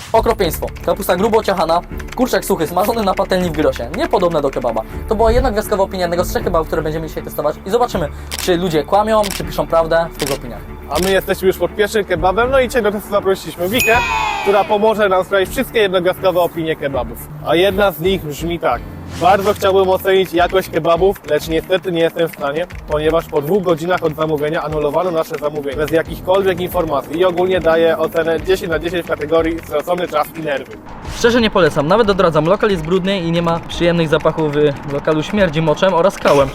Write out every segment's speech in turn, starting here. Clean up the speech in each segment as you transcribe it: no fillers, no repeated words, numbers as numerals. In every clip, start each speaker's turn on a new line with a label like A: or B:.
A: Okropieństwo. Kapusta grubo ciachana, kurczak suchy smażony na patelni w gyrosie. Niepodobne do kebaba. To była jednogwiazdkowa opinia jednego z 3 kebabów, które będziemy dzisiaj testować i zobaczymy, czy ludzie kłamią, czy piszą prawdę w tych opiniach.
B: A my jesteśmy już pod pierwszym kebabem, no i dzisiaj do testu zaprosiliśmy Wikę, która pomoże nam sprawdzić wszystkie jednogwiazdkowe opinie kebabów. A jedna z nich brzmi tak. Bardzo chciałbym ocenić jakość kebabów, lecz niestety nie jestem w stanie, ponieważ po 2 godzinach od zamówienia anulowano nasze zamówienie bez jakichkolwiek informacji i ogólnie daję ocenę 10 na 10 w kategorii stracony czas i nerwy.
A: Szczerze nie polecam, nawet odradzam. Lokal jest brudny i nie ma przyjemnych zapachów w lokalu, śmierdzi moczem oraz kałem.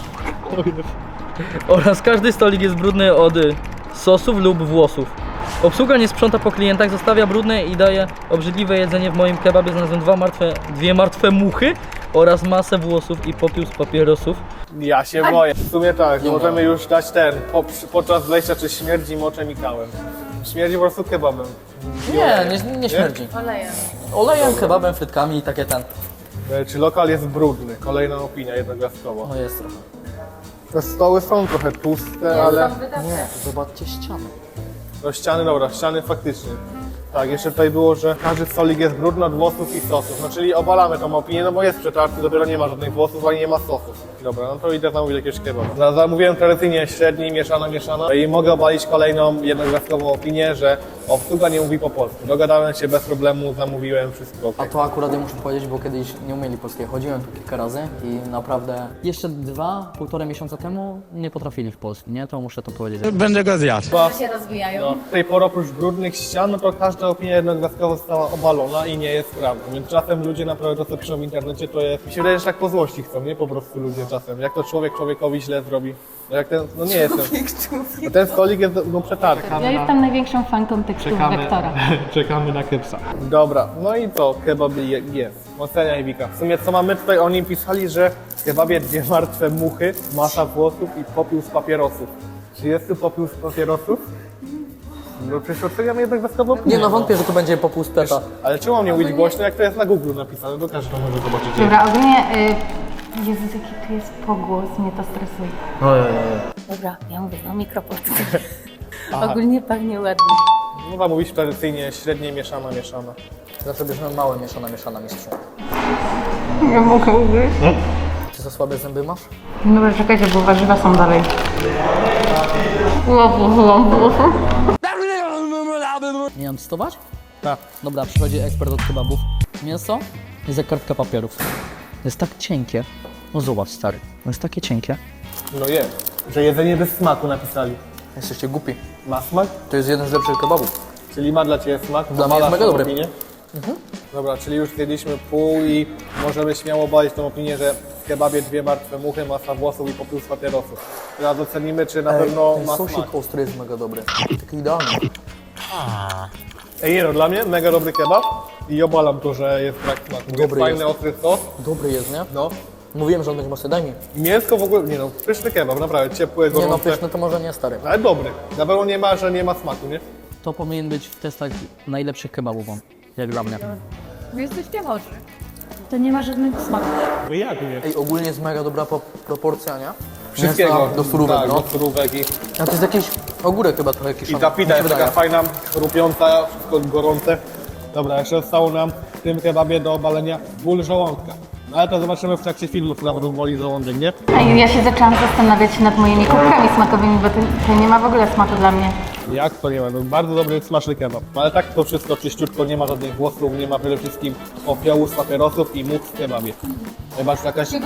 A: Oraz każdy stolik jest brudny od sosów lub włosów. Obsługa nie sprząta po klientach, zostawia brudne i daje obrzydliwe jedzenie. W moim kebabie znalazłem dwie martwe muchy oraz masę włosów i popiół z papierosów.
B: Ja się boję. W sumie tak, możemy już dać podczas wejścia, czy śmierdzi moczem i kałem. Śmierdzi po prostu kebabem.
A: Nie śmierdzi.
C: Olejem.
A: Olejem, kebabem, frytkami i takie ten.
B: Czy lokal jest brudny? Kolejna opinia jednogwiazdkowa.
A: No jest trochę.
B: Te stoły są trochę tłuste, ale...
A: Nie, zobaczcie ściany.
B: No ściany, dobra, ściany faktycznie. Tak, jeszcze tutaj było, że każdy stolik jest brudny od włosów i sosów. No czyli obalamy tą opinię, no bo jest przetarty, dopiero nie ma żadnych włosów, ani nie ma sosów. Dobra, no to idę zamówić jakiegoś kebaba. Zamówiłem tradycyjnie średni, mieszana. I mogę obalić kolejną jednogwiazdkową opinię, że obsługa nie mówi po polsku. Dogadałem się bez problemu, zamówiłem wszystko.
A: A to akurat ja muszę powiedzieć, bo kiedyś nie umieli polskiego. Chodziłem tu kilka razy i naprawdę jeszcze 2,5 miesiąca temu nie potrafili w polsku, nie? To muszę to powiedzieć.
D: Będę go zjadł.
C: się rozwijają.
B: No, w tej porze oprócz brudnych ścian, no to każda opinia jednogwiazdkowa została obalona i nie jest prawdą. Więc czasem ludzie naprawdę to, co piszą w internecie, to jest... Mi się wydaje, że tak po złości chcą, nie? Po prostu ludzie czasem. Jak to człowiek człowiekowi źle zrobi. No jak ten... No nie jest ten... No ten stolik jest no przetarty.
C: Ja jestem największą fanką tekstów Wektora.
D: Czekamy na kepsa.
B: Dobra, no i co? Kebab jest. Oceniaj Wika. W sumie co mamy tutaj, oni pisali, że w kebabie 2 martwe muchy, masa włosów i popiół z papierosów. Czy jest tu popiół z papierosów? No przecież oceniam jednogwiazdkową opinię.
A: Nie no, wątpię, że tu będzie popół z peta.
B: Ale czemu mam nie mówić głośno, jak to jest na Google napisane, to każdy to może zobaczyć.
C: Dobra, ogólnie... Jezus, jaki tu jest pogłos, mnie to stresuje. Dobra, ja mówię, no mikrofon. Ogólnie pachnie ładnie.
B: No tam mówisz tradycyjnie średnie, mieszana.
A: Zawsze bierzemy małe mieszana mistrzu.
C: Nie mogę ugryźć.
A: Czy za słabe zęby masz?
C: Dobra, czekajcie, bo warzywa są dalej.
A: Nie mam testować?
B: Tak.
A: Dobra, przychodzi ekspert od kebabów. Mięso jest jak kartka papierów. Jest tak cienkie. No zobacz stary, jest takie cienkie.
B: No jest. Że jedzenie bez smaku napisali.
A: Jesteście głupi.
B: Ma smak?
A: To jest jeden z lepszych kebabów.
B: Czyli ma dla Ciebie smak?
A: Dla mnie jest
B: Obalasz
A: mega
B: tą
A: dobry.
B: opinię? Dobra, czyli już zjedliśmy pół i możemy śmiało obalić tą opinię, że w kebabie 2 martwe muchy, masa włosów i popiół z papierosów. Teraz ocenimy, czy na pewno
A: Ten
B: ma
A: sosik
B: smak.
A: ostry jest mega dobry. Taki idealny.
B: Ej, no dla mnie mega dobry kebab i obalam to, że jest brak smaku. Jest
A: Dobry
B: fajny,
A: jest.
B: ostry sos.
A: Dobry jest, nie?
B: No.
A: Mówiłem, że on będzie mocny, daj mi.
B: Mięsko w ogóle, nie no, pyszny kebab, naprawdę, ciepły,
A: Nie no,
B: gorący.
A: pyszny to może nie stary.
B: Ale dobry. Na pewno nie ma, że nie ma smaku, nie?
A: To powinien być w testach najlepszych kebabów, jak dla mnie.
C: Wy jesteście chorzy. To nie ma żadnego smaku.
B: Jak nie?
A: Ej, ogólnie jest mega dobra proporcja, nie?
B: Wszystkiego.
A: Mięsa do surówek,
B: tak,
A: no.
B: do surówek i
A: A to jest jakiś ogórek chyba trochę
B: I
A: kiszony.
B: ta pita
A: mi się
B: jest taka
A: wydaje.
B: fajna, chrupiąca, wszystko gorące. Dobra, jeszcze zostało nam w tym kebabie do obalenia ból żołądka. No ale to zobaczymy w trakcie filmu, co nam boli żołądek, nie?
C: Ja się zaczęłam zastanawiać nad moimi kubkami smakowymi, bo to nie ma w ogóle smaku dla mnie.
B: Jak to nie ma? No, bardzo dobry, smaczny kebab. No, ale tak to wszystko czyściutko, nie ma żadnych włosów, nie ma przede wszystkim popiołu z papierosów i much w kebabie. Chyba że jakaś...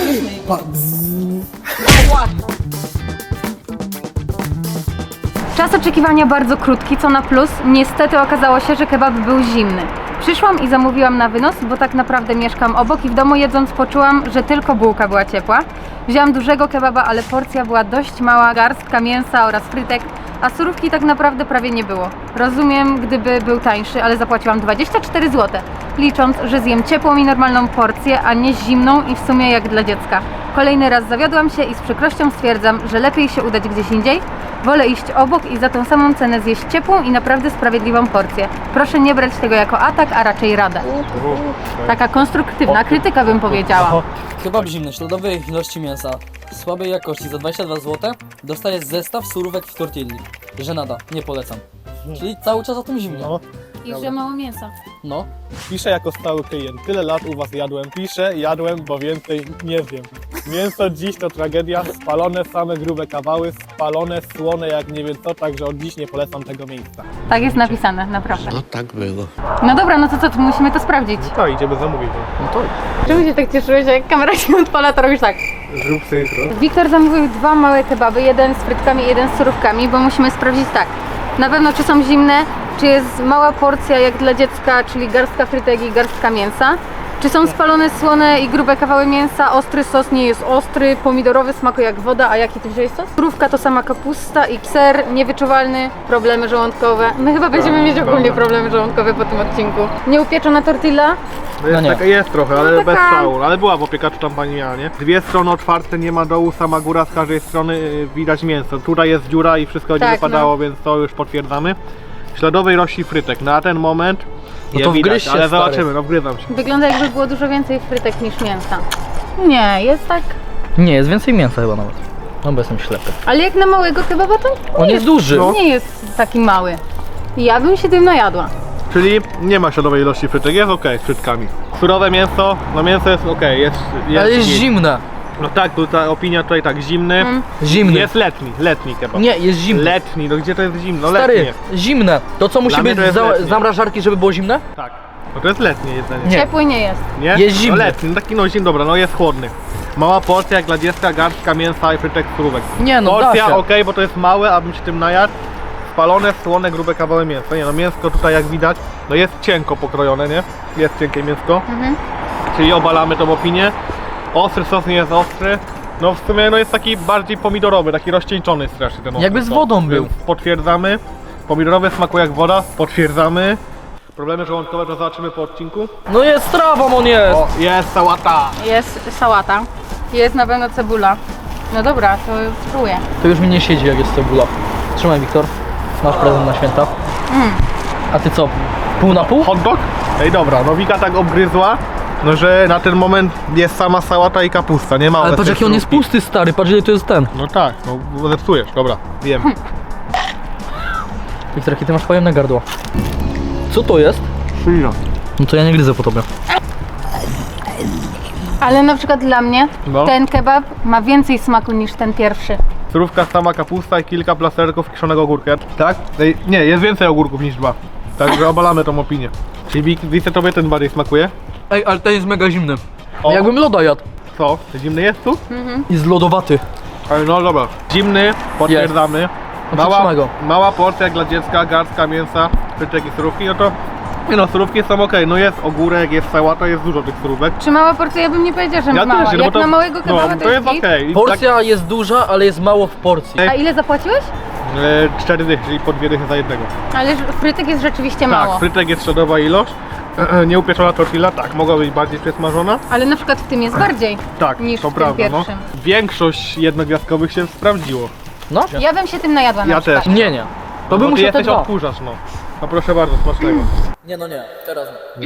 C: Czas oczekiwania bardzo krótki, co na plus. Niestety okazało się, że kebab był zimny. Przyszłam i zamówiłam na wynos, bo tak naprawdę mieszkam obok i w domu jedząc poczułam, że tylko bułka była ciepła. Wzięłam dużego kebaba, ale porcja była dość mała, garstka mięsa oraz frytek, a surówki tak naprawdę prawie nie było. Rozumiem, gdyby był tańszy, ale zapłaciłam 24 zł, licząc, że zjem ciepłą i normalną porcję, a nie zimną i w sumie jak dla dziecka. Kolejny raz zawiodłam się i z przykrością stwierdzam, że lepiej się udać gdzieś indziej. Wolę iść obok i za tą samą cenę zjeść ciepłą i naprawdę sprawiedliwą porcję. Proszę nie brać tego jako atak, a raczej radę. Taka konstruktywna krytyka bym powiedziała.
A: Kebab zimny, śladowej ilości mięsa, słabej jakości za 22 zł dostajesz zestaw surówek w tortilli. Żenada, nie polecam. Czyli cały czas o tym zimnie.
B: No.
C: I że mało mięsa.
A: No.
B: Piszę jako stały klient. Tyle lat u was jadłem. Piszę, jadłem, bo więcej nie wiem. Mięso dziś to tragedia. Spalone same grube kawały, spalone, słone jak nie wiem co, także od dziś nie polecam tego miejsca.
C: Tak jest napisane, naprawdę.
D: No tak było.
C: No dobra, no to co, to musimy to sprawdzić.
B: No idziemy zamówić.
A: No to
C: Czemu się tak cieszyłeś, że jak kamera się odpala, to robisz tak?
B: Zrób sobie intro.
C: Wiktor zamówił 2 małe kebaby, jeden z frytkami, jeden z surówkami, bo musimy sprawdzić tak. Na pewno czy są zimne, czy jest mała porcja jak dla dziecka, czyli garstka frytek i garstka mięsa. Czy są spalone, słone i grube kawały mięsa, ostry sos nie jest ostry, pomidorowy smakuje jak woda, a jaki ty wziąłeś sos? Surówka to sama kapusta i ser niewyczuwalny, problemy żołądkowe. My chyba będziemy mieć ogólnie problemy żołądkowe po tym odcinku. Nieupieczona tortilla,
B: No jest,
A: nie.
B: jest trochę, ale
C: No
B: bez
C: taka-
B: szału. Ale była w opiekaczu tam pani miała, nie? Dwie strony otwarte, nie ma dołu, sama góra, z każdej strony widać mięso. Tutaj jest dziura i wszystko będzie
C: Tak,
B: wypadało, więc to już potwierdzamy. Śladowej rości frytek. Na ten moment
A: No
B: je
A: to
B: widać,
A: wgryź się,
B: ale
A: stary.
B: zobaczymy, no wgryzam się.
C: wygląda jakby było dużo więcej frytek niż mięsa. Nie, jest tak.
A: nie, jest więcej mięsa chyba nawet. No bo jestem ślepy.
C: Ale jak na małego kebaba to
A: On jest duży.
B: No.
C: nie jest taki mały. Ja bym się tym najadła.
B: Czyli nie ma śladowej ilości frytek, jest ok z frytkami. Surowe mięso, no mięso jest ok, jest
A: Ale jest
B: git.
A: zimne.
B: No tak, ta opinia tutaj tak, zimny.
A: Zimny.
B: Jest letni kebab.
A: Nie, jest zimny.
B: Letni, no gdzie to jest zimno? Letni
A: Stary,
B: jest.
A: zimne. To co musi
B: Dla mnie
A: być
B: to jest letnie.
A: zamrażarki, żeby było zimne?
B: Tak. No to jest letnie jedzenie.
A: Nie.
C: Ciepły nie jest.
B: Nie?
A: Jest zimny.
B: No letni, no taki no zimny, dobra, no jest chłodny. Mała porcja jak dla dziecka, garstka mięsa i frytek surówek.
A: Nie, no da
B: Porcja
A: się.
B: okej, bo to jest małe, abym się tym najadł. Spalone, słone, grube kawały mięsa. Nie no, mięsko tutaj jak widać, no jest cienko pokrojone, nie? Jest cienkie mięsko. Czyli obalamy tą opinię. Ostry sos nie jest ostry. No w sumie no jest taki bardziej pomidorowy, taki rozcieńczony strasznie ten ostry
A: Jakby z
B: sos.
A: wodą był.
B: Więc potwierdzamy. Pomidorowy smakuje jak woda, potwierdzamy. Problemy żołądkowe to zobaczymy po odcinku.
A: No jest trawą, on jest.
B: O, jest sałata!
C: Jest sałata. Jest na pewno cebula. No dobra, to spróbuję.
A: To już mi nie siedzi jak jest cebula. Trzymaj, Wiktor. Masz prezent na święta. A ty co? Pół na pół?
B: Hot dog? Ej dobra, no Wika tak obgryzła, no że na ten moment jest sama sałata i kapusta, nie ma
A: Ale patrz
B: obecnej
A: jaki on jest
B: surówki.
A: pusty, stary. Patrz ile to jest ten.
B: No tak, no zepsujesz, dobra, wiem.
A: Wiktor, jakie ty masz pojemne gardło. Co to jest?
B: Przyjdę.
A: No to ja nie gryzę po tobie.
C: Ale na przykład dla mnie
B: No.
C: ten kebab ma więcej smaku niż ten pierwszy.
B: Surówka, sama kapusta i kilka plasterków kiszonego ogórka. Tak? Ej, nie, jest więcej ogórków niż 2. Także obalamy tą opinię. Czyli Wice tobie ten bardziej smakuje?
A: Ej, ale ten jest mega zimny.
B: O.
A: Jakbym loda jadł.
B: Co? Zimny jest tu?
A: Jest lodowaty.
B: Ale no dobra. Zimny, potwierdzamy.
A: No przytrzymaj go.
B: Mała porcja jak dla dziecka, garstka mięsa, frytek i surówki, no to... Nie no, surówki są okej, no jest ogórek, jest sałata, jest dużo tych surówek.
C: Czy mała porcja? Ja bym nie powiedziała, że
B: Ja
C: mała.
B: też, no
C: Jak
B: bo to,
C: na małego kebaba
B: no,
C: to jest git.
B: okej. I
A: Porcja jest duża, ale jest mało w porcji.
B: Ej.
C: A ile zapłaciłeś?
B: Tak, 4 dychy, czyli po 2 dychy za jednego.
C: Ale frytek jest rzeczywiście mało.
B: Tak, frytek jest śladowa ilość. Nieupieczona tortilla, tak, mogła być bardziej przesmażona.
C: Ale na przykład w tym jest bardziej
B: Tak,
C: niż
B: to
C: w tym
B: prawda, no.
C: pierwszym.
B: Większość jednogwiazdkowych się sprawdziło.
A: No?
C: Ja bym się tym najadła na
B: Ja
C: przykład.
B: też.
A: Nie. To
B: Bo
A: bym
B: ty
A: musiał te
B: jesteś
A: dwa.
B: odkurzacz, no. No proszę bardzo, smacznego.
A: Nie, no nie. Teraz nie.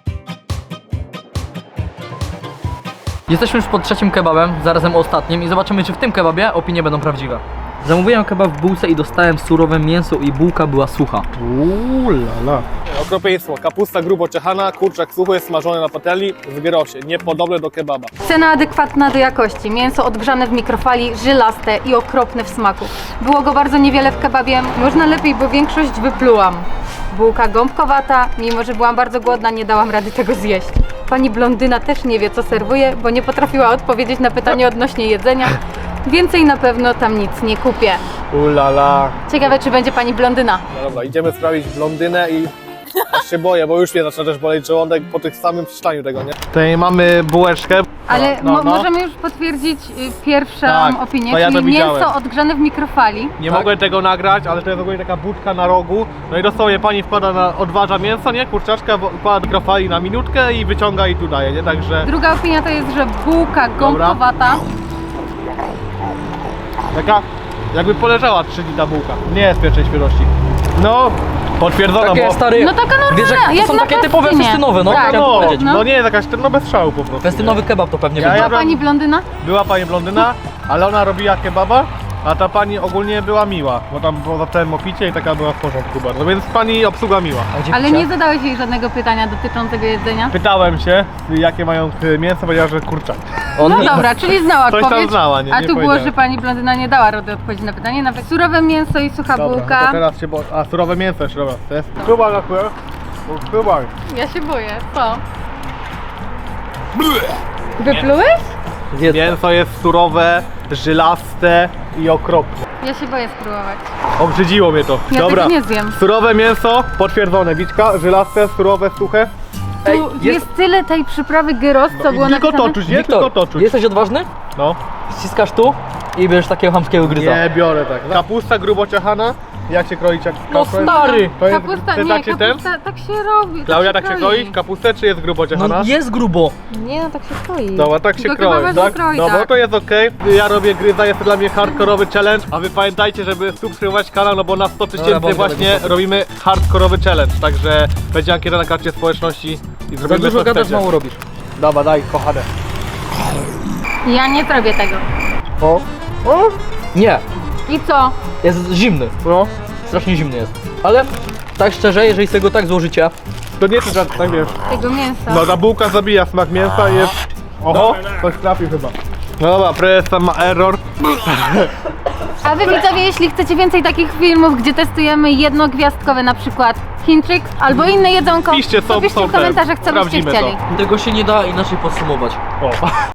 A: Jesteśmy już pod trzecim kebabem, zarazem ostatnim i zobaczymy, czy w tym kebabie opinie będą prawdziwe. Zamówiłem kebab w bułce i dostałem surowe mięso i bułka była sucha.
B: Lala. Okropieństwo. Kapusta grubo czechana, kurczak suchy jest smażony na patelni w gyrosie, niepodobne do kebaba.
C: Cena adekwatna do jakości. Mięso odgrzane w mikrofali, żylaste i okropne w smaku. Było go bardzo niewiele w kebabie. Można lepiej, bo większość wyplułam. Bułka gąbkowata, mimo że byłam bardzo głodna, nie dałam rady tego zjeść. Pani blondyna też nie wie, co serwuje, bo nie potrafiła odpowiedzieć na pytanie odnośnie jedzenia. Więcej na pewno tam nic nie kupię.
B: Lala.
C: Ciekawe, czy będzie pani blondyna.
B: No dobra, idziemy sprawdzić blondynę i aż się boję, bo już mnie zaczyna też boleć żołądek po tych samym przeczytaniu tego, nie? Tutaj mamy bułeczkę.
C: Ale
B: No.
C: możemy już potwierdzić pierwszą
B: Tak,
C: opinię,
B: to ja to
C: czyli
B: widziałem.
C: mięso odgrzane w mikrofali.
B: Nie
A: Tak.
B: mogłem tego nagrać, ale to jest ogólnie taka budka na rogu. No i dosłownie pani wkłada odważa mięso, nie? Kurczaczka, wkłada do mikrofali na minutkę i wyciąga i tu daje, nie? Także
C: Druga opinia to jest, że bułka gąbkowata.
B: taka jakby poleżała 3 dni ta bułka. Nie jest pierwszej świeżości. No, potwierdzono,
A: Takie
B: bo...
A: stary.
C: No taka normalna,
A: Wiesz, jak to
C: jak
A: są
C: na
A: takie typowe
C: festynie.
A: festynowe, no.
C: Tak.
A: Chciałem
B: No,
A: powiedzieć.
B: no nie jest jakaś, no bez szału po prostu.
A: Festynowy kebab to pewnie
B: Ja
A: będzie.
B: jadłem-
C: Pani blondyna?
B: Była pani blondyna, ale ona robiła kebaba A ta pani ogólnie była miła, bo tam było za całym opicie i taka była w porządku bardzo, więc pani obsługa miła.
A: A gdzie
C: Ale
A: picia?
C: nie zadałeś jej żadnego pytania dotyczącego jedzenia?
B: Pytałem się, jakie mają mięso, powiedziała, że kurczak.
A: On
C: No
A: nie-
C: dobra, czyli znała
B: Coś tam
C: odpowiedź.
B: znała, nie
C: A tu było,
B: powiedziałem.
C: że pani blondyna nie dała rady odpowiedzi na pytanie. Nawet surowe mięso i sucha
B: Dobra, no
C: bułka.
B: to teraz się a surowe mięso jeszcze, dobra, to jest. Chyba na chwilę. Chyba.
C: Ja się boję, co? Wyplułeś?
A: Zjedz.
B: Mięso jest surowe, żylaste i okropne.
C: Ja się boję spróbować.
B: Obrzydziło mnie to.
C: Ja
B: Dobra.
C: tego nie zjem.
B: Surowe mięso, potwierdzone. Wiczka, żylaste, surowe, suche.
A: Ej,
C: Tu jest tyle tej przyprawy gyros, co było
B: I tylko
C: napisane.
B: to czuć, nie?
A: Wiktor,
B: Tylko to czuć.
A: jesteś odważny?
B: No.
A: Ściskasz tu i bierzesz takiego chamskiego gryza.
B: Nie biorę tak. Kapusta grubo ciachana. Jak się kroi
A: No stary!
B: To jest,
C: Kapusta,
B: to jest
C: nie,
B: tak się ten?
C: kapusta, tak się robi.
B: Klaudia, tak
C: się
B: się kroi? Kapustę czy jest grubo ciachana?
A: No jest grubo.
C: Nie, no tak się kroi.
B: Dobra, tak się
C: To
B: kroi,
C: chyba
B: tak?
C: kroi,
B: Dobra,
C: tak.
B: to jest okej. Ja robię gryza, jest to dla mnie hardkorowy challenge, a wy pamiętajcie, żeby subskrybować kanał, no bo na 100
A: Dobra,
B: 000
A: bądź
B: właśnie
A: daleko.
B: robimy hardkorowy challenge, także będzie ankieta na karcie społeczności i
A: Za
B: zrobimy
A: dużo
B: co
A: gadasz,
B: chcecie.
A: mało robisz.
B: Dobra, daj, kochane.
C: Ja nie zrobię tego.
B: O, o,
A: Nie,
C: I co?
A: jest zimny.
B: no.
A: Strasznie zimny jest. Ale tak szczerze, jeżeli sobie go tak złożycie,
B: To nie czy tak wiesz.
C: Tego mięsa.
B: No ta bułka zabija smak mięsa i jest... Oho, coś trafi chyba. No dobra, prezes tam ma error.
C: A wy widzowie, jeśli chcecie więcej takich filmów, gdzie testujemy jednogwiazdkowe na przykład Chińczyk albo inne jedzonko,
B: Piszcie,
C: to
B: są
C: piszcie w
B: te,
C: komentarzach, co byście
B: sprawdzimy to.
C: chcieli.
A: tego się nie da inaczej podsumować.
B: O.